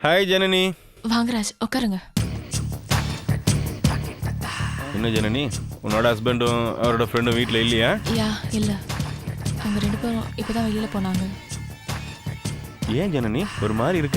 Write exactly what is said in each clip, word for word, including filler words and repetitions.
Hi Janani. வாங்க ராஜ், உட்காருங்க. என்ன ஜனனி, உன்னோட ஹஸ்பண்டும் அவரோட ஃப்ரெண்டும் வீட்டில் இல்லையா? யா இல்லை, அவங்க ரெண்டு பேரும் இப்போ தான் வெளியில் போனாங்க. ஏன் ஜனனி ஒரு மாதிரி இருக்க?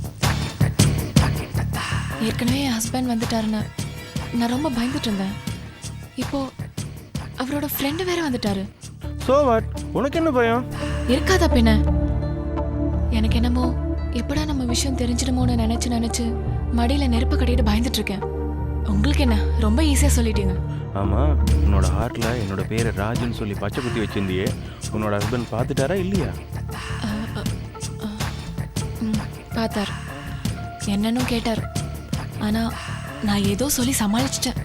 ஏற்கனவே என் ஹஸ்பண்ட் வந்துட்டாருன்னு நான் ரொம்ப பயந்துட்டு இருந்தேன். இப்போ அவரோட ஃப்ரெண்டு வேற வந்துட்டாரு. ஸோ வாட், உனக்கு என்ன பயம்? இருக்காதா பின்ன? எனக்கு என்னமோ எப்படா நம்ம விஷயம் தெரிஞ்சிடுமோன்னு நினைச்சு நினைச்சு மடியில நெருப்பு கட்டிட்டு பயந்துட்டு இருக்கேன். உங்களுக்கு என்ன, ரொம்ப ஈஸியா சொல்லிட்டீங்க. ஆமா, உன்னோட ஹார்ட்ல என்னோட பேரை ராஜுன்னு சொல்லி பச்சை குத்தி வச்சிருந்தியே, உன்னோட ஹஸ்பண்ட் பார்த்துட்டாரா இல்லையா? பார்த்தார், என்னன்னு கேட்டார். ஆனா நான் ஏதோ சொல்லி சமாளிச்சிட்டேன்.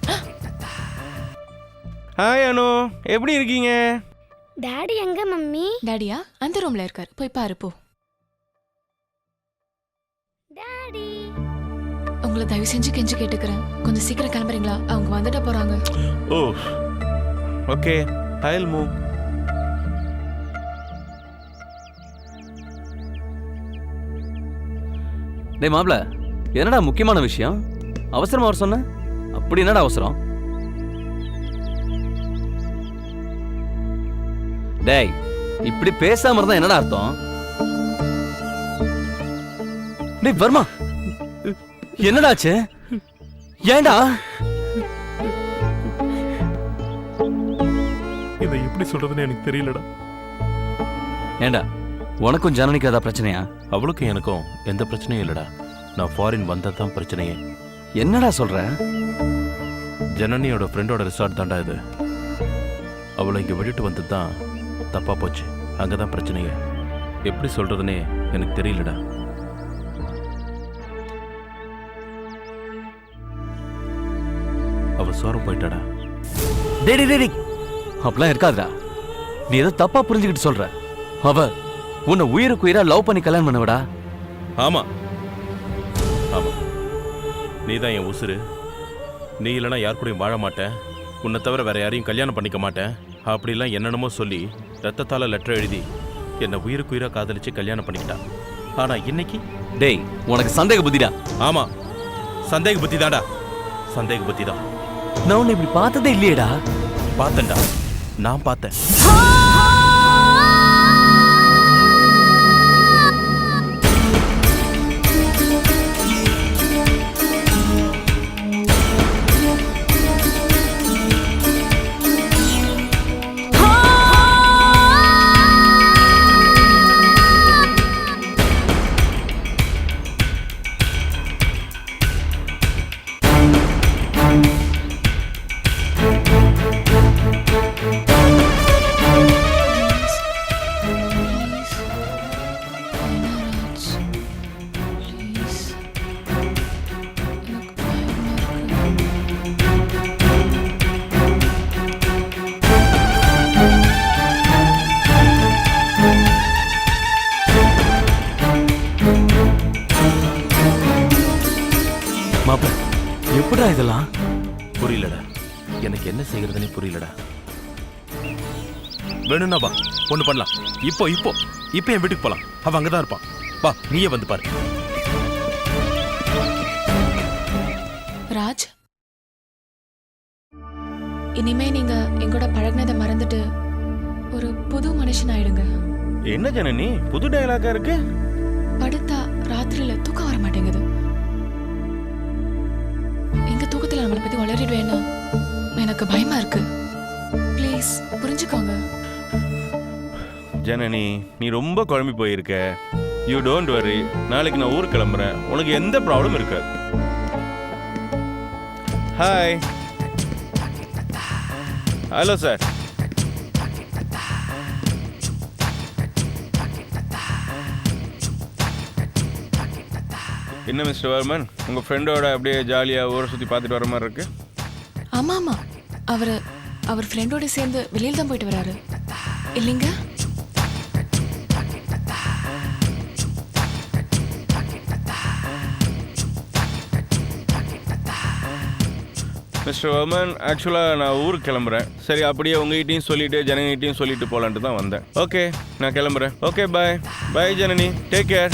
ஹாய் அனு, எப்படி இருக்கீங்க? டாடி எங்க மம்மி? டாடியா அந்த ரூம்ல இருக்கார், போய் பாரு போ. டாடி, உங்களை தயவு செஞ்சு கெஞ்சு கேட்டுக்கிறேன், கொஞ்சம் சீக்கிரம் கிளம்புறீங்களா? அவங்க வந்துட்ட போறாங்க. Oh okay, I will move. டேய் மாப்ள, என்னடா முக்கியமான விஷயம்? அவசரமா வர சொன்ன? அப்படி என்னடா அவசரம்? டேய், இப்படி பேசாம இருந்தா என்னடா அர்த்தம்? டேய் வர்மா, என்னடாச்சு? ஏண்டா இதை எப்படி சொல்றதுன்னு எனக்கு தெரியலடா. ஏண்டா, உனக்கும் ஜனனிக்கு ஏதாவது பிரச்சனையா? அவளுக்கும் எனக்கும் எந்த பிரச்சனையும் இல்லடா. நான் ஃபாரின் வந்ததான் பிரச்சனையே. என்னடா சொல்ற? ஜனனியோட ஃப்ரெண்டோட ரிசார்ட் தாண்டா இது. அவளை இங்கே விட்டுட்டு வந்தது தான் தப்பா போச்சு. அங்கதான் பிரச்சனையே. எப்படி சொல்றதுன்னே எனக்கு தெரியலடா. அவ சோரம் போயிட்டாடா. டேடி டேடி, அப்படிலாம் இருக்காதுடா. நீ ஏதோ தப்பா புரிஞ்சுக்கிட்டு சொல்ற. அவ உன்னை உயிருக்கு உயிரா லவ் பண்ணி கல்யாணம் பண்ணவடா. ஆமா ஆமா, நீ தான் என் உசுரு. நீ இல்லைனா யார் கூடயும் வாழ மாட்டேன், உன்னை தவிர வேற யாரையும் கல்யாணம் பண்ணிக்க மாட்டேன் அப்படிலாம் என்னென்னமோ சொல்லி ரத்தத்தால லெட்டர் எழுதி என்னை உயிருக்கு உயிரா காதலிச்சு கல்யாணம் பண்ணிக்கிட்டா. ஆனா இன்னைக்கு டேய், உனக்கு சந்தேக புத்திடா. ஆமா, சந்தேக புத்தி தான்டா. சந்தேக புத்தி தான். நான் உன்னை இப்படி பார்த்ததே இல்லையேடா. பார்த்தேன்டா, நான் பார்த்தேன். மாப்ள, எப்படா இதெல்லாம்? புரியலடா, எனக்கு என்ன செய்யறதுனே புரியலடா. வேணும்னா வா, ஒண்ணு பண்ணலாம். இப்போ இப்போ இப்போ என் வீட்டுக்கு போலாம். அவன் அங்கதான் இருப்பான். வா, நீயே வந்து பாரு. ராஜ், இனிமே நீங்க எங்கூட பழகினதை மறந்துட்டு ஒரு புது மனுஷன் ஆயிடுங்க. என்ன ஜனனி, புது டயலாக்கா இருக்கு? படுத்தா ராத்திரியில தூக்கம் வர மாட்டேங்குது. எங்க தூக்கத்துல நம்மளை பத்தி வளரிடுவேன்னா எனக்கு பயமா இருக்கு. ப்ளீஸ் புரிஞ்சுக்கோங்க. ஜனனி, நீ ரொம்ப குழம்பி போயிருக்க. யூ டோன்ட் வரி, நாளைக்கு நான் ஊருக்கு கிளம்புறேன், உனக்கு எந்த ப்ராப்ளம் இருக்காது. ஹாய். Hello sir. என்ன மிஸ்டர் வர்மன், உங்கள் ஃப்ரெண்டோட அப்படியே ஜாலியாக ஊரை சுற்றி பார்த்துட்டு வர மாதிரி இருக்கு. ஆமா ஆமா, அவர் அவர் ஃப்ரெண்டோட சேர்ந்து வெளியில் தான் போயிட்டு வராரு இல்லைங்க? மிஸ்டர் வர்மன், ஆக்சுவலாக நான் ஊருக்கு கிளம்புறேன். சரி, அப்படியே உங்ககிட்டையும் சொல்லிட்டு ஜனனிகிட்டையும் சொல்லிட்டு போகலான்ட்டு தான் வந்தேன். ஓகே, நான் கிளம்புறேன். Okay, bye bye Janani, take care.